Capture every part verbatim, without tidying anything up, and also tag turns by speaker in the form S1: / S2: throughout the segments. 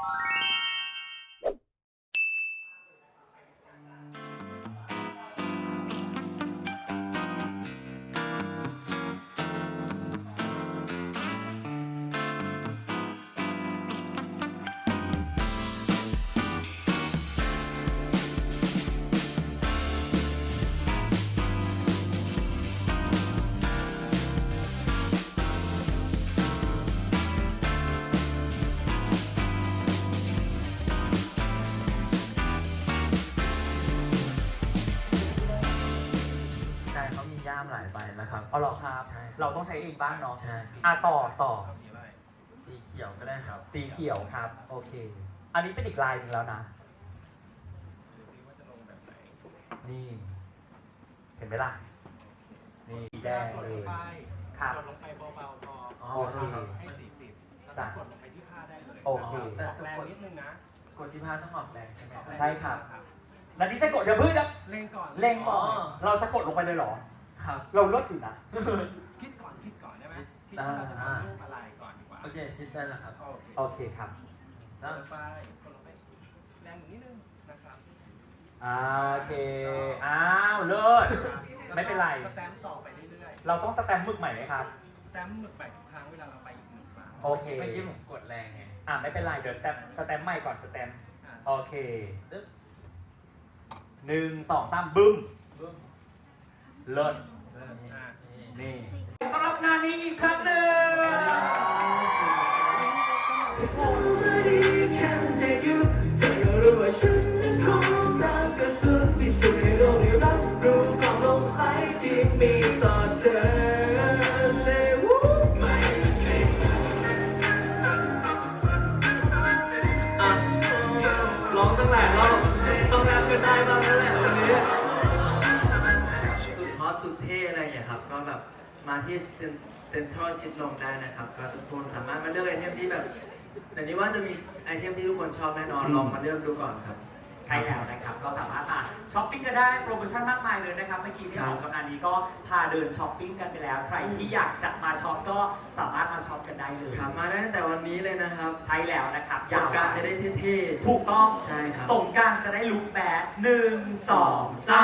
S1: ย่ามหลายใบนะครับ
S2: อ๋อเหรอครับ
S1: ใช่
S2: เราต้องใช้เองบ้างเนาะ
S1: ใช่
S2: อ่ะต่อต่อ
S1: สีเขียวก็ได้ครับ
S2: สีเขียวครับ โอเค อันนี้เป็นอีกลายหนึ่งแล้วนะ นี่ เห็นไหมล่ะ นี่สีแดงเลยครับ
S3: กดลงไปเบาๆพอ
S1: อ๋อ
S2: โอเค
S3: ให้สี่สิบแล้วก็กดลงไปที่ผ้าได้เลย
S2: โอเค
S3: ออกแรงนิดนึงนะ
S1: กดที่ผ้าต้องออกแรงใช่ไหมครับ
S2: ใช่ครับ แล้วนี่จะกดเดี๋ยวเพิ่งจะ
S3: เล่งก่อน
S2: เล็งก่อน
S1: อ๋อ
S2: เราจะกดลงไปเลยเหรอ
S1: ครับ
S2: เราลดอยู่นะ
S3: คิดก่อนคิดก่อนได้ไหมคิด
S2: อ่า
S3: ว่าเราจะทำรูปอะไรก่อนดีกว่า
S1: โอเคชิดได้แล้วครับ
S3: โอเค
S2: โอเคครับ
S3: กดลงไปกดลงไปแรงนิดนึงนะครับ
S2: อ่าโอเค อ้าวเลิศ ไม่เป็นไร
S3: สแตมป์ต่อไปเรื่อย
S2: เราต้องสแตมป์หมึกใหม่ไหมครับ
S3: ๆสแตมป์หมึกใหม่ทุกครั้งเวลาเราไปอีกหนึ่งครั้ง
S2: โอเค
S1: เมื่อกี้ผมกดแรงไง
S2: อ่าไม่เป็นไร เดี๋ยวสแตมป์สแตมป์ใหม่ก่อนสแตมป์
S3: อ่ะ
S2: โอเคหนึ่งสองสามบึ้ม
S1: บึ้ม
S2: เลิศ
S1: เริ่มนี่
S3: อ่ะ
S1: นี่
S2: นี่ต้อนรับงานนี้อีกครั้งหนึ่ง
S1: อ่ะร้องตั้งหลายรอบต้องรับกันได้บ้างแล้วแหละวันนี้สุดฮอตสุดเท่อะไรอย่างเงี้ยครับ ก็แบบมาที่เซ็นทรัลชิดลมได้นะครับ ก็ทุกคนสามารถมาเลือกไอเทมที่แบบแต่นี้ว่าจะมีไอเทมที่ทุกคนชอบแน่นอน ลองมาเลือกดูก่อนครับ
S2: ใช่แล้วนะครับ ก็สามารถมาช้อปปิ้งกันได้โปรโมชั่นมากมายเลยนะครับ เมื่อกี้ที่ออกกำลังนี้ก็พาเดินช้อปปิ้งกันไปแล้ว ใครที่อยากจะมาช็อปก็สามารถมาช็อปกันได้เลย
S1: ครับมาได้ตั้งแต่วันนี้เลยนะครับ
S2: ใช่แล้วนะครับ
S1: สงกรารจะได้เท่ๆ
S2: ถูกต้อง
S1: ใช่ครับ
S2: สงกรารจะได้ลุคแบดหนึ่งสองสาม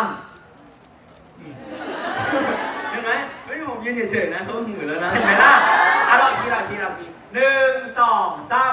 S1: เห็นไหมไม่ใช่ผมยืนเฉยๆนะเขาหือแล้วนะ
S2: เห็นไหมล่ะอ่ะเราอีกทีเราอีกทีเราอีกทีหนึ่งสองสาม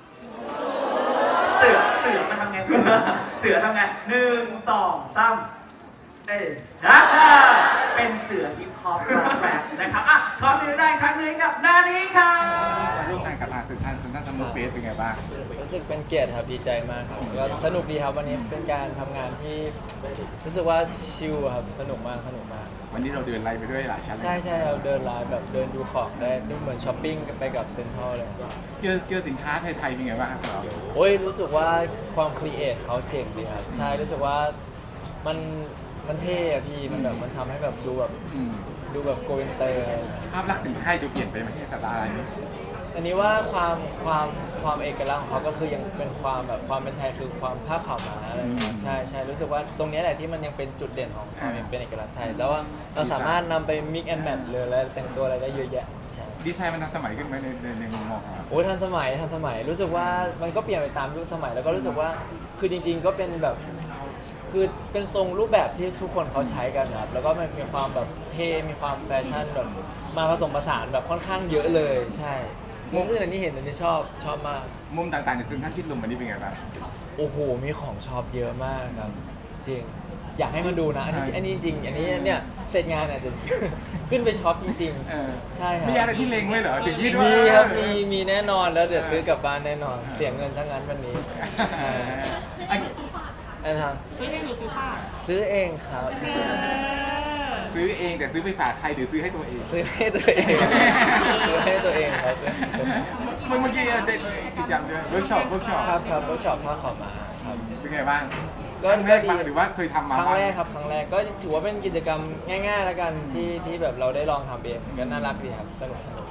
S2: เสือเสือมันทำไงเสือเสือทำไงหนึ่งสองสาม
S1: เอ้ย
S2: นะเป็นเสือฮิปฮอปร็อกแรปนะครับอ่ะขอเสียงได้ครั้งหนึงกับนานี้ครับ
S4: ร่วมงานกับทางเซ็นทรัลเซ็นทรัลซัมเมอร์เฟสเป็นไงบ้าง
S5: รู้สึกเป็นเกียรติครับดีใจมากครับก็สนุกดีครับวันนี้เป็นการทำงานที่รู้สึกว่าชิลครับสนุกมากสนุกมาก
S4: วันนี้เราเดินไล่ไปด้วยหลายชั้นเลย
S5: ใช่ใช่เราเดินไลน์แบบเดินดูของได้ดูเหมือนช้อปปิ้งไปกับเซ็นทรัลเลยครับ
S4: เจอเจอสินค้าไทยๆเป็นไงบ้างครับเรา
S5: โอ้ยรู้สึกว่าความครีเอทเขาเจ๋งดีครับใช่รู้สึกว่ามันมันเท่อะพี่มันแบบมันทำให้แบบดูแบบ
S4: อืม
S5: ดูแบบโกอินเตอร์อะไรอย่างเงี้ย
S4: ภาพลักษณ์สินค้าดูเปลี่ยนไปไหมสไตล์นี้
S5: อันนี้ว่าความความความเอกลักษณ์ของเขาก็คือยังเป็นความแบบความเป็นไทยคือความผ้าขาวม้าอะไรอย่างเงี้ยใช่ใช่รู้สึกว่าตรงนี้แหละที่มันยังเป็นจุดเด่นของความเป็นเอกลักษณ์ไทยแล้วว่าเราสามารถนำไป mix and match เลยแล้วแต่งตัวอะไรได้เยอะแยะใช่
S4: ดีไซน์มันทันสมัยขึ้นไหมในในในมุมมองของเรา
S5: โอ้ยทันสมัยทันสมัยรู้สึกว่ามันก็เปลี่ยนไปตามยุคสมัยแล้วก็รู้สึกว่าคือจริง ๆ ก็เป็นแบบคือเป็นทรงรูปแบบที่ทุกคนเขาใช้กันนะครับแล้วก็มันมีความแบบเท่มีความแฟชั่นแบบมาผสมผสานแบบค่อนข้างเยอะเลยใช่มุมอื่นอันนี้เห็นอันนี้ชอบชอบมาก
S4: มุมต่างๆในเซ็นทรัลชิดลมวันนี้เป็นไงบ้าง
S5: โอ้โหมีของชอบเยอะมากครับจริงอยากให้มาดูนะอันนี้อันนี้จริงอันนี้เนี่ยเสร็จงานเนี่ยจะ ขึ้นไปช็อปจริง
S4: เออ
S5: ๆใช่ครับ
S4: มีอะไรที่เล็งไว้เหรอถึงคิดว่า
S5: มีครับ
S4: เอ
S5: มี
S4: อ
S5: มีแน่นอนแล้วเดี๋ยว
S4: เออ
S5: ซื้อกลับบ้านแน่นอนเสียเงินทั้งนั้นวันนี้
S4: เอออัน
S5: อันทาง
S6: ซื้อเองหรือซื้อฝาก
S5: ซื้อเองครับ
S4: ซื้อเองแต่ซื้อไปฝากใครหรือซื้อให้ตัวเอง
S5: ซื้อให้ตัวเอง ซื้อให้ตัวเองครับ
S4: เมื่อเมื่อกี้เด็กกิจกรรมด้วยเวิร์กช็อปเวิร์กช็อป
S5: ครับครับเวิร์กช็อปผ้าขาวม้าครับ
S4: เป็นไงบ้าง
S5: ก็
S4: ครั้งแรกบ้างหรือว่าเคยทำมา
S5: ครั้ง
S4: บ้าง
S5: แรกครับครั้งแรกก็ถือว่าเป็นกิจกรรมง่ายๆแล้วกันที่ที่แบบเราได้ลองทำเองก็น่ารักดีครับสนุกสนุก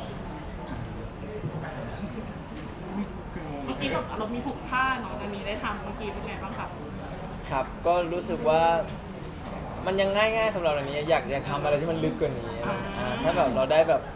S6: เมื่อกี้เราเรามีผูกผ้าเนาะอันนี้ได้ทำเมื่อกี้เป็นไงบ้างครับ
S5: ครับก็รู้สึกว่ามันยังง่ายๆสำหรับอันนี้อยากอยากทำอะไรที่มันลึกกว่านี้อ่าถ้าแบบเราได้แบบท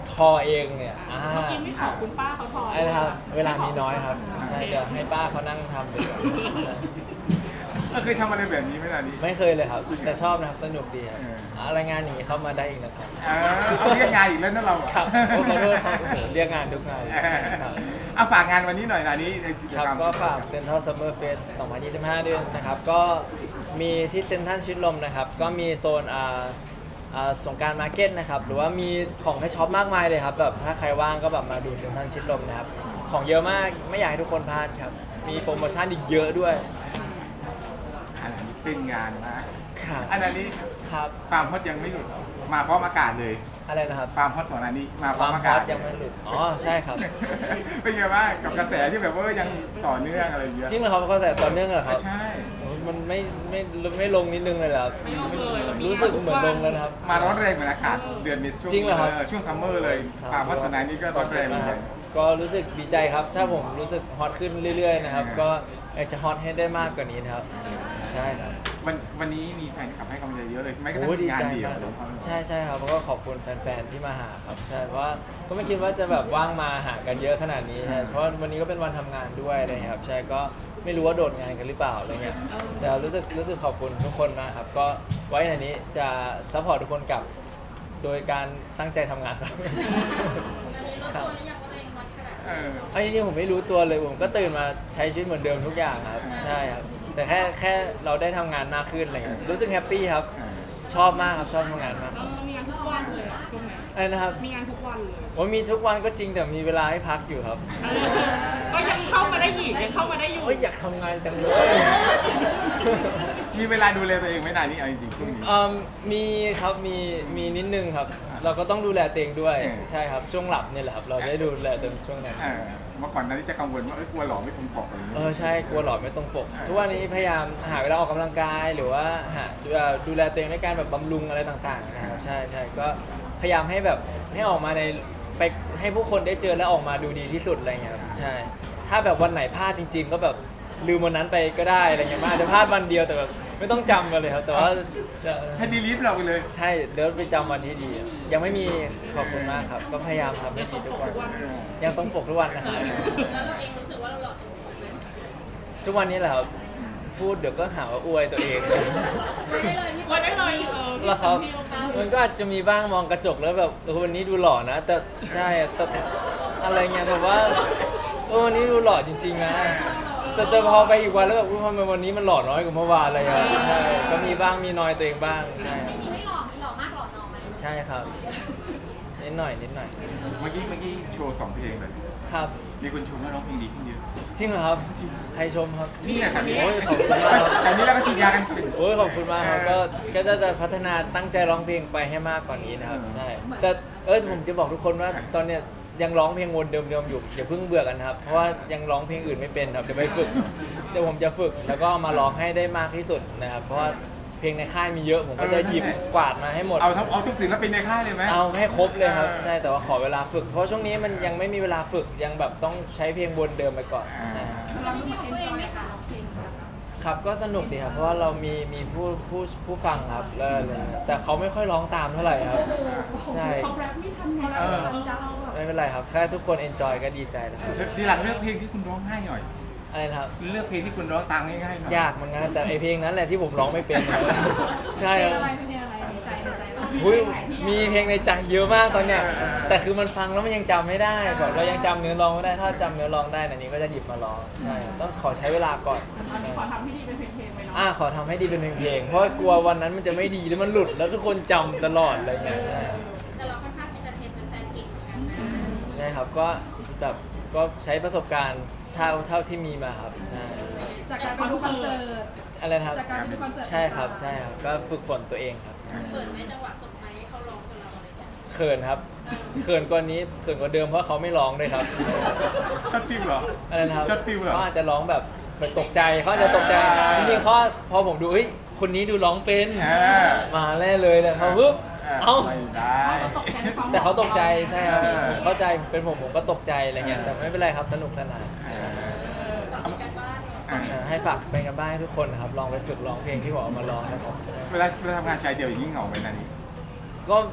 S5: ทอเองเนี่ยอ่า
S6: เมื่อกี้ไม่ขอคุณป้าเขาทอ
S5: ไอ้นะครับเวลามีน้อยครับใช่เดี๋ยวให้ป้าเขานั่งทำดีกว่า
S4: เออเคยทำอะไรแบบนี้ไหมล่ะนี่
S5: ไม่เคยเลยครับแต่ชอบนะครับสนุกดีครับ
S4: เออ
S5: อะไรงานอย่างนี้เข้ามาได้อีกนะครับ
S4: เออเอาเรียกงานอีกแล้วนะเราอะ
S5: ครับโอ้ขอโทษครับโอ้โหเรียกงานทุกงานเลย
S4: เออ
S5: ครับ
S4: เอาฝากงานวันนี้หน่อยนะนี้ในกิจ
S5: ครับ
S4: กรรม
S5: ก็ฝาก Central Summer Fest สองพันยี่สิบห้าด้วยนะครับ ก็มีที่เซ็นทรัลชิดลมนะครับ ก็มีโซนอ่าอ่าสงกรารมาร์เก็ตนะครับ หรือว่ามีของให้ช็อปมากมายเลยครับ แบบถ้าใครว่างก็แบบมาดูเซ็นทรัลชิดลมนะครับ ของเยอะมาก ไม่อยากให้ทุกคนพลาดครับ มีโปรโมชั่นอีกเยอะด้วย
S4: อันนี้เป็นงานนะครับ อันนี้
S5: ครับ
S4: ความฮอตยังไม่หลุดมาพร้อมอากาศเลย
S5: อะไรนะครับ
S4: ความฮอตของอันนี้มาพ
S5: ค
S4: ร้อ
S5: วาม ม
S4: อา
S5: ฮ
S4: กา
S5: อ
S4: ศ
S5: ตยังไม่หลุด อ๋อ ใช่ครับ
S4: เป็นไงบ้างกับกระแสที่แบบว่ายังต่อเนื่องอะไรอย่างเงี้ย
S5: จริงเหรอครับเขาใส่ต่อเนื่องเหรอครับ
S4: ใช่
S5: โอ้ยมันไม่ไม่ไม่ลงนิดนึงเลยเหรอครับ
S6: ไม่เอาเลยวันนี้
S5: รู้สึกเหมือนลงแล้วนะครับ
S4: มาร้อนแรงเหมือนอากาศเดือนเมษช่วง
S5: จริงเหรอครับ
S4: ช่วงซัมเมอร์เลยความฮอตของอันนี้ก็ร้อนแรงเหมือนกัน
S5: ก็รู้สึกดีใจครับ ถ้าผมรู้สึกฮอตขึ้นเรื่อยๆนะครับ
S4: อ่า
S5: ก็อยากจะฮอตให้ได้มากกว่านี้นะครับ ใช่ครับ
S4: วันวันนี้มีแฟนคลับให้กำลังใจเยอะเลยไม่ก็ต้
S5: โอ้
S4: อง
S5: ดี
S4: งาน
S5: ใจ
S4: เดียว
S5: มาก
S4: เลย
S5: ใช่ใช่ครับแล้วก็ขอบคุณแฟนๆที่มาหาครับ ใช่เพราะว่าก็ไม่คิดว่าจะแบบว่างมาหากันเยอะขนาดนี้ใช่เพราะว่าวันนี้ก็เป็นวันทำงานด้วยอะไรครับ ใช่ก็ไม่รู้ว่าโดดงานกันหรือเปล่าอะไรเงี้ยแต่รู้สึกรู้สึกขอบคุณทุกคนมากครับ ก็ไว้ในนี้จะซัพพอร์ตทุกคนกลับ โดยการตั้งใจทำงานครับ
S7: อันนี้รู้ตัวหรือยังว่าตัวเองวัดขนาดไหน
S4: เออ
S5: เอาจริงๆผมไม่รู้ตัวเลยผมก็ตื่นมาใช้ชีวิตเหมือนเดิมทุกอย่างครับใช่ครับแต่แค่แค่เราได้ทำงานมากขึ้นอะไรเงี้ยรู้สึกแฮปปี้ครับ ชอบมากครับชอบทำงานมาก
S6: เรามีงานทุกวันเลยอะช่วงไหน
S5: อะไรนะครับ
S6: มีงานทุกวันเลย
S5: ผมมีทุกวันก็จริงแต่มีเวลาให้พักอยู่ครับ
S6: เออก็ยังเข้ามาได้อีกยังเข้ามาได้อยู่
S5: โอ้ยอยากทำงานจังเลย
S4: มีเวลาดูแลตัวเองไหมนานนี้เอาจริงๆช่วงนี้
S5: อืมมีครับมีมีนิดนึงครับ เราก็ต้องดูแลตัวเองด้วย
S4: เออ
S5: ใช่ครับช่วงหลับเนี่ยแหละครับ เราได้ดูแลตัวเองช่วงนั้น
S4: เออเมื่อก่อนนั้นจะกังวลว่าเอ้ยกลัวหล่อไม่ตรงปกอะไรอย่าง
S5: เอ
S4: เงี้ย
S5: อใช่กลัวหลอดไม่ตรงปก
S4: อ่า
S5: ทุกวันนี้พยายามหาเวลาออกกำลังกายหรือว่าหาเอ่อดูแลตัวเองด้วยการแบบบำรุงอะไรต่างๆนะครับใช่ใช่ก็พยายามให้แบบให้ออกมาในไปให้ผู้คนได้เจอแล้วออกมาดูดีที่สุดอะไรเงี้ยครับใช่ ถ้าแบบวันไหนพลาดจริง ๆ ก็แบบลืมวันนั้นไปก็ได้อะไรเงี้ยมันอาจจะพลาดวันเดียวแต่แบบไม่ต้องจำกันเลยครับ แต่ว่าจะ
S4: ให้ดีลิฟต์เราไปเลย
S5: ใช่เดี๋ยวไปจำวันที่ดี ยังไม่มีขอบคุณมากครับ ก็พยายามทำให้ดีทุกวัน ยังต้องปกทุกวันนะครับ
S7: แล้วเราเองรู้สึกว่าเราหล่อตรงปกไหม
S5: ทุกวันนี้แหละครับพูดเดี๋ยวก็หาว่าอวยตัวเอง
S7: ไม่ได้เลยที่
S6: วันได้เลยเออ
S5: แล้วครับ
S6: ที่เรา
S5: มันก็อาจจะมีบ้างมองกระจกแล้วแบบเออวันนี้ดูหล่อนะ แต่ใช่แต่อะไรเงี้ยแบบว่าเออวันนี้ดูหล่อจริงๆนะแต่แต่พอไปอีกวันแล้วแบบอุ๊ยทำไมวันนี้มันหล่อน้อยกว่าเมื่อวานอะไรอย่างเงี้ยใช่ก็มีบ้างมีน้อยตัวเองบ้างใช่ครับ
S7: ไม่หล่อไม่หล่อมากหล่อน้อย
S5: ใช่ครับนิดหน่อยนิดหน่อย
S4: เมื่อกี้เมื่อกี้โชว์สองเพลงเลย
S5: ครับ
S4: มีคนชมว่าร้องเพลงดีขึ้นเยอะ
S5: จริงเหรอครับใครชมครับ
S4: นี่แหละครับ
S5: โอ้ยขอบคุณมากครับ
S4: แต่นี้เราก็ฉีดยากันเป็น
S5: โอ้ยขอบคุณมากครับก็ก็จะจะพัฒนาตั้งใจร้องเพลงไปให้มากกว่านี้นะครับ
S4: อืม
S5: ใช่แต่เออผมจะบอกทุกคนว่าตอนเนี้ยยังร้องเพลงวนเดิมๆอยู่อย่าเพิ่งเบื่อกันนะครับเพราะว่ายังร้องเพลงอื่นไม่เป็นครับเดี๋ยวไปฝึกเดี๋ยวผมจะฝึกแล้วก็มาร้องให้ได้มากที่สุดนะครับเพราะว่าเพลงในค่ายมีเยอะผมก็จะหยิบกวาดมาให้หมด
S4: เอาทั้งเอาทุกศิลปินในค่ายเลยไหม
S5: เอาให้ครบเลยครับ
S4: เออ
S5: ใช่แต่ว่าขอเวลาฝึก เพราะช่วงนี้มันยังไม่มีเวลาฝึกยังแบบต้องใช้เพลงวนเดิมไปก่อน
S4: อ่า
S5: ใช่ครับ
S7: เราที่ของตัวเองในการร้องเพลง
S5: ครับก็สนุกดีครับเพราะว่าเรามีมีผู้ผู้ผู้ฟังครับแล้วอะไรเงี้ยแต่เขาไม่ค่อยร้องตามเท่าไหร่ครับใช่
S6: เขาแรปไม่ทันไง
S4: เออ
S5: ไม่เป็นไรครับแค่ทุกคนเอนจอยก็ดีใจแล้วครับ
S4: ทีหลังเลือกเพลงที่คุณร้องง่ายหน่อย
S5: อะไรนะครับ
S4: เลือกเพลงที่คุณร้องตามง่ายๆหน่อย
S5: ยากเหมือนกันแต่ไอเพลงนั้นแหละที่ผมร้องไม่เป็นครับใช่ครับ
S7: อะไรเป็นอะไรในใจในใจเรา
S5: อุ๊ยมีเพลงในใจเยอะมากตอนเนี้ยแต่คือมันฟังแล้วมันยังจำไม่ได้แบบเรายังจำเนื้อร้องไม่ได้ถ้าจำเนื้อร้องได้อันนี้ก็จะหยิบมาร้องใช่ครับต้องขอใช้เวลาก่อน
S6: ตอนนี้ขอทำให้ดีเป็นเพลงๆไปเนาะ
S5: อ่าขอทำให้ดีเป็นเพลงๆเพราะกลัววันนั้นมันจะไม่ดีแล้วมันหลุดแล้วทุกคนจำตลอดอะไรเงี้ย
S7: แต่เราค่อนข้างเป็นเทนเป็นแฟนเก่งเหมือนกันนะ
S5: ใช่ครับก็แบบก็ใช้ประสบการณ์เท่าเท่าที่มีมาครับใช่
S7: จากการไปดูคอนเสิร์ต
S5: อะไรนะครับ
S7: จากการดูคอนเสิร์ต
S5: ใช่ครับใช่ครับก็ฝึกฝนตัวเองครับ
S7: เปิดไหมจังหวะสดไหมเขาร้องกับเราอะไรอย่างเงี้ย
S5: เขินครับเขินกว่านี้เขินกว่าเดิมเพราะเขาไม่ร้องเลยครับ
S4: ช็อตฟิลเหรอ
S5: อะไรนะครับ
S4: ช็อตฟิลเหรอ
S5: เขาอาจจะร้องแบบแบบตกใจเขาอาจจะตกใจ
S4: อ่า
S5: จริงๆเขาพอผมดูเฮ้ยคนนี้ดูร้องเป็น
S4: อ่า
S5: มาแน่เลยเลยพอปุ๊บเอ้า
S4: ไม่ได้
S5: แต่เขาตกใจใช่ครับ
S4: เออ
S5: ผมเข้าใจเป็นผมผมก็ตกใจอะไรเงี้ยแต่ไม่เป็นไรครับสนุกสนาน
S7: ตอบกันบ้านเนี่ย
S4: อ่า
S5: เออให้ฝากเป็นกันบ้านให้ทุกคนนะครับลองไปฝึกร้องเพลงที่ผมเอามาร้องนะครับ
S4: เวลาเวลาทำงานชายเดียวอย่างนี้เหงาไหมนานี้
S5: ก็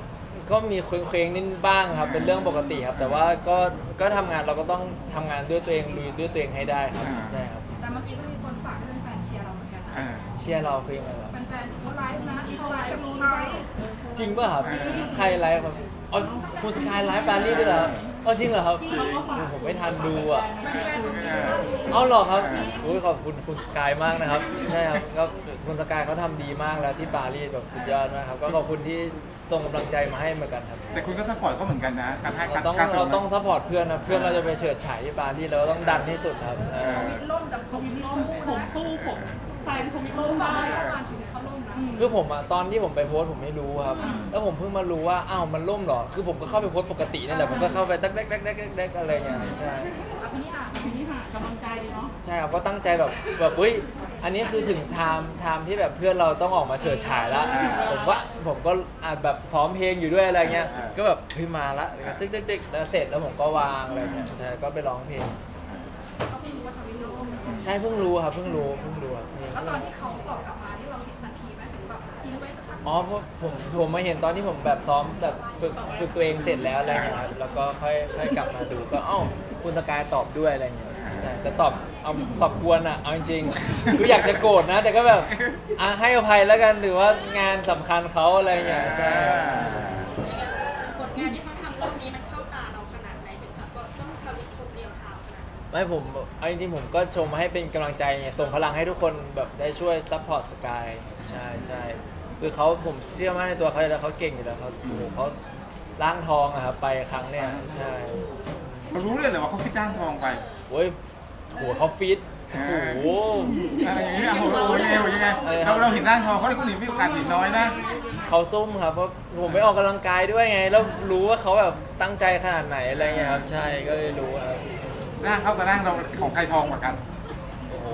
S5: ก็มีเคว้งๆนิดบ้างครับเป็นเรื่องปกติครับ แต่ว่าก็ก็ทำงานเราก็ต้องทำงานด้วยตัวเองลุยด้วยตัวเองให้ได้ครับใช่ครับ
S8: แต่เมื่อกี้ก็มีคนฝากให้เป็นแฟนเชียร์เราเหมือนกันนะ
S4: อ่า
S5: เชียร์เราคือยังไงครับ
S8: แฟนๆเขาไลฟ์นะเขาไลฟ์จากปารีส
S5: จริงป่ะครับใครไลฟ์ครับอ๋อคุณสกายไลฟ์ปารีสด้วยเหรออ๋อจริงเหรอครับโอ้ผมไม่ทันดูอ่ะ
S8: แฟนๆคนจีน
S5: เอาเหรอครับอุ้ยขอบคุณคุณสกายมากนะครับใช่ครับก็คุณสกายเขาทำดีมากแล้วที่ปารีสแบบสุดยอดมากครับก็ขอบคุณที่ส่งกำลังใจมาให้เหมือนกันครับ
S4: แต่คุณก็สปอร์ตก็เหมือนกันนะการให้
S5: เรา
S4: การ
S5: ต้อง
S4: การส่
S5: เรา
S4: ง
S5: ต้องซัพพอร์ตเพื่อนนะเพื่อนเราจะไปเฉิดฉายที่ปารีสเราต้องดันที่สุดครับเออ
S8: เขาวิดล่มแต่เขาวิดสู้
S6: ผม
S8: นะ
S6: สู้ผมแฟนผมมี
S8: ล่
S6: โล่
S8: ม
S6: ได้
S8: ได้ประมาณถึงเขาล่มนะ
S5: คือผมอะตอนที่ผมไปโพสต์ผมไม่รู้ครับ แล้วผมเพิ่งมารู้ว่าอ้าวมันล่มเหรอคือผมก็เข้าไปโพสต์ปกตินั่นแหละผมก็เข้าไปตักแดกแดกแดกแดกอะไรเงี้ยใช่
S8: อภินิหาร
S6: ทีนี้หากำลังใจดีเนาะ
S5: ใช่ครับก็ตั้งใจแบบแบบอุ้ยอันนี้คือถึงไทม์ไทม์ที่แบบเพื่อนเราต้องออกมาเฉิดฉายแล้วผมว่าผมก็อ่านแบบซ้อมเพลงอยู่ด้วยอะไรเงี้ยก็แบบเฮ้ยมาละตึ๊กตึ๊กตึ๊กแล้วเสร็จแล้วผมก็วางอะไรเงี้ยใช่ก็ไปร้องเพลง
S8: ก็เพิ่งรู้ว่าทำวิดล่ม
S5: ใช่เพิ่งรู้ครับเพิ่งรู้เพิ่งรู้ครับ
S8: แล้วตอนที่เขาตอบกลับมาที่เราเห็นทันทีไหมถึงแบบทิ้งไว้สักพัก
S5: อ๋อเพราะผมผมมาเห็นตอนที่ผมแบบซ้อมแบบฝึกฝึกตัวเองเสร็จแล้วอะไรเงี้ยครับแล้วก็ค่อยค่อยกลับมาดูก็เอ้าคุณสกายตอบด้วยอะไรเงี้ยใช่แต่ตอบเอาตอบกวนอ่ะเอาจริงๆคืออยากจะโกรธนะ แต่ก็แบบอ่ะให้อภัยแล้วกันหรือว่างานสำคัญเขาอะไรเงี้ยใช่
S7: ผลงานที่เขาทำเรื่องนี้มันเข้าตาเราขนาดไหนถึงแบบว่าต้องทำอีกคนเดียวเท้าขนาดนั้น
S5: ไม่ผมเอาจริงๆผมก็ชมให้เป็นกำลังใจไงส่งพลังให้ทุกคนแบบได้ช่วยซัพพอร์ตสกายใช่ใช่คือเขาผมเชื่อมั่นในตัวเขาอยู่แล้วเขาเก่งอยู่แล้วเขาโอ้โหเขาล้างทองอะครับไปครั้งเนี้ยใช่
S4: เรารู้เลยเหรอว่าเขาพิดร่างทองไป
S5: โอ้ยโหเขาฟิตโอ้โห
S4: อะไรอย่างเงี้ยโอ้โหยังไงยังไง
S5: อะไรครั
S4: เรา
S5: บ
S4: เราเห็นร่างทองเขาเลยคนอื่นมีโอกาสเห็นน้อยนะ
S5: เขาซุ่มครับเพราะผมไปออกกำลังกายด้วยไง แล้วรู้ว่าเขาแบบตั้งใจขนาดไหนอะไรเงี้ยครับใช่ก็เลยรู้ครับ
S4: ร่างเขากับร่างเราของใครทองกว่ากัน
S5: โอ้โห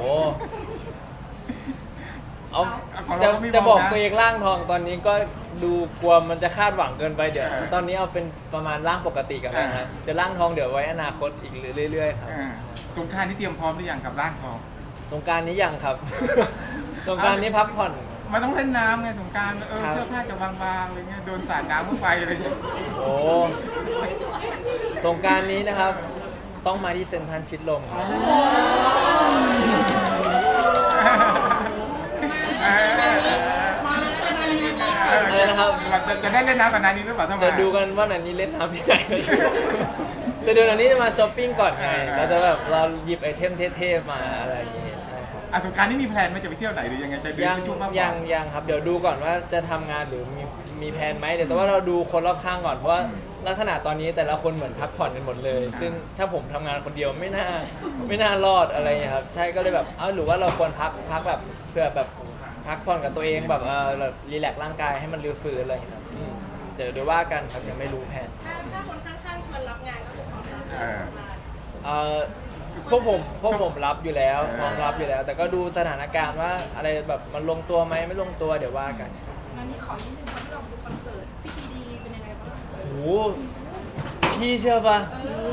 S5: เอา
S4: ของ
S5: จะ
S4: เราก็ไม่
S5: จะบอก
S4: มองนะ
S5: ตัวเองร่างทองตอนนี้ก็ดูกลัวมันจะคาดหวังเกินไปเดี๋ยว
S4: เออ
S5: ตอนนี้เอาเป็นประมาณร่างปกติกันนะครับจะร่างทองเดี๋ยวไว้อนาคตอีกเรื่อยๆครับ
S4: อ่าสงกรารนี่เตรียมพร้อมหรือยังกับร่างทอง
S5: สงกรารนี้ยังครับ สงกรารนี้พักผ่อน
S4: มันต้องเล่นน้ำไงสงกรารเออ
S5: ครับ
S4: เสื้อผ้าจะบางๆอะไรเงี้ยโดนสาดน้ำเข้าไปอะไรเงี้ย
S5: โอ้สงกรารนี้นะครับ ต้องมาที่เซ็นทรัลชิดลมครับ
S4: เออ
S5: อะไรนะครับ
S4: จะจะได้เล่นน้ำกับนานี้หรือเปล่าถ้ามา
S5: เดี๋ยวดูกันว่านันนี้เล่นน้ำที่ไหนแต่เดี๋ยวนันนี้จะมาช้อปปิ้งก่อนไง
S4: อ่า
S5: เราจะแบบเราหยิบไอเทมเท่ๆมาอะไรอย่างงี้ใช่ครับ
S4: อ่ะสงกรารนี่มีแพลนไหมจะไปเที่ยวไหนหรือยังไงจะดู
S5: ยัง
S4: ช่วงพักผ่อน
S5: ยังยังครับเดี๋ยวดูก่อนว่าจะทำงานหรือมีมีแผนไหมเดี๋ยวแต่ว่าเราดูคนรอบข้างก่อนเพราะว่าลักษณะตอนนี้แต่ละคนเหมือนพักผ่อนกันหมดเลย ซึ่งถ้าผมทำงานคนเดียวไม่น่าไม่น่ารอดอะไรอย่างเงี้ยครับใช่ก็เลยแบบเอ้าหรือว่าเราควรพักพักแบบเพื่อแบบพักผ่อนกับตัวเองแบบเออแบบรีแลกซ์ร่างกายให้มันรื้อฟื้นอะไรอย่างเงี้ยครับอืมเดี๋ยวเดี๋ยวว่ากันครับยังไม่รู้แผน
S7: ถ้าถ้าคนข้างๆชวนรับงานก็คือพร้อมรับ
S4: เออ
S5: เอ่อพวกผมพวกผมรับอยู่แล้วพร้อมรับอยู่แล้ว แต่ก็ดูสถานการณ์ว่าอะไรแบบมันลงตัวไหมไม่ลงตัวเดี๋ยวว่ากัน
S8: งั้นนี่ขอยืนหนึ่งวันที่เราดูคอนเสิร์ตพี่จีดีเป็นยังไงบ้าง
S5: โอ้โหพี่เชื่อปะ
S8: เออ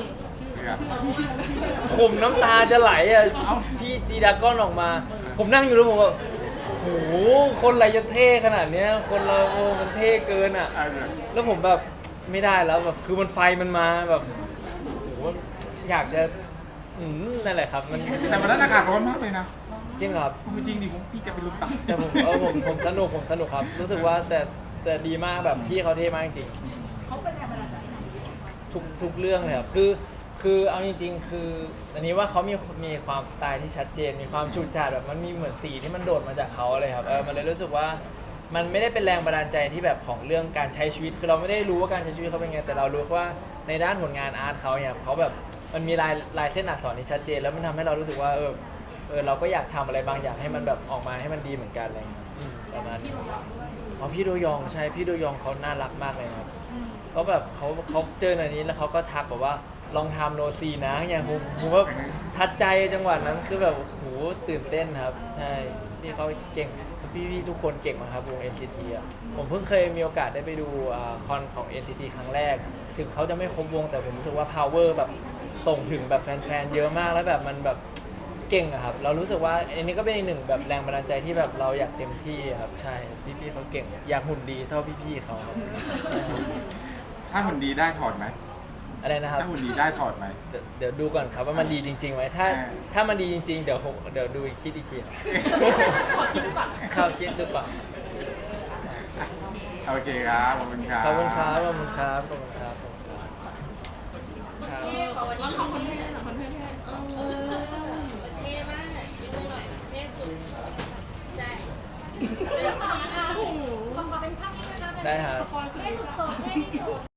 S5: ผมน้ำตาจะไหลอ่ะ
S4: เอ้า
S5: พี่จีดาก้อนออกมา ผมนั่งอยู่แล้วผมแบบโอ้โหคนอะไรจะเท่ขนาดเนี้ยคนเราโอ้มันเท่เกินอ่ะ
S4: เออ
S5: แล้วผมแบบไม่ได้แล้วแบบคือมันไฟมันมาแบบโอ้โหอยากจะอืมนั่นแหละครับมัน
S4: แต่วันนั้นอากาศร้อนมากเลยนะ
S5: จริงเหรอครับ
S4: จริงดิผมพี่จะไปลุ้นตาย
S5: แต่ผมเออผมผมสนุกผมสนุกครับ รู้สึกว่าแต่แต่ดีมากแบบพี่เขาเท่มากจริง
S8: เขาเป็นแรงบันดาลใจให้ไหน
S5: ทุกทุกเรื่องเลยครับคือคือเอาจริง ๆ คืออันนี้ว่าเขามีมีความสไตล์ที่ชัดเจน มีความฉูดฉาดแบบมันมีเหมือนสีที่มันโดดมาจากเขาเลยครับเออมันเลยรู้สึกว่ามันไม่ได้เป็นแรงบันดาลใจที่แบบของเรื่องการใช้ชีวิตคือเราไม่ได้รู้ว่าการใช้ชีวิตเขาเป็นไงแต่เรารู้ว่าในด้านผลงานอาร์ตเขาเนี่ยเขาแบบมันมีลายลายเส้นอักษรที่ชัดเจน แล้วมันทำให้เรารู้สึกว่าเออเออเราก็อยากทำอะไรบางอย่างให้มันแบบออกมาให้มันดีเหมือนกันอะไรอย่างเงี้ยอืมประมาณนี้อ๋อพี่โดยองใช่พี่โดยองเขาน่ารักมากเลยนะครับ ก็แบบเขาเขาเจออันนี้แล้วเขาก็ทักแบบว่าลองทำโนซีนะอย่างผมผมว่าทัดใจจังหวะนั้นคือแบบโอ้โหตื่นเต้นครับ ใช่พี่เขาเก่งพี่พี่ทุกคนเก่งมากครับวง เอ็น ซี ที อ่ะผมเพิ่งเคยมีโอกาสได้ไปดูอ่าคอนของ เอ็น ซี ที ครั้งแรก ถึงเขาจะไม่ครบวงแต่ผมรู้สึกว่า power แบบส่งถึงแบบแฟนๆเยอะมากแล้วแบบมันแบบเก่งอะครับเรารู้สึกว่าอันนี้ก็เป็นอีกหนึ่งแบบแรงบันดาลใจที่แบบเราอยากเต็มที่ครับใช่พี่ๆเขาเก่งอยากหุ่นดีเท่าพี่ๆเขาครับใช่
S4: ถ้าหุ่นดีได้ถอดไหม
S5: อะไรนะครับ
S4: ถ้าหุ่นดีได้ถอดไหม
S5: เดี๋ยวเดี๋ยวดูก่อนครับว่ามันดีจริงๆไหมถ้า
S4: อ่า
S5: ถ้ามันดีจริงๆเดี๋ยวผมเดี๋ยวดูอีกคิดอีกทีครับ
S6: ขอคิดดูก่อน
S5: เข้าคิดดูก่อน
S4: โอเคครับขอบคุณครับ
S5: ขอบคุณครับขอบคุณครับขอบคุณครับขอบคุณครับครับ
S7: เท่ขอวัน
S6: แล้ว
S7: นี้
S6: ทำคนเท่เหรอคนเท่ๆ
S7: เออเท่มากยิ้มหน่อยเท่สุดใช่เดี๋ยวขอ
S8: ขอขอเป็นภาพนี้นะคะ
S5: ได้ครับ
S6: สปอยล์คือ
S8: เท่สุดๆเท่ที่สุด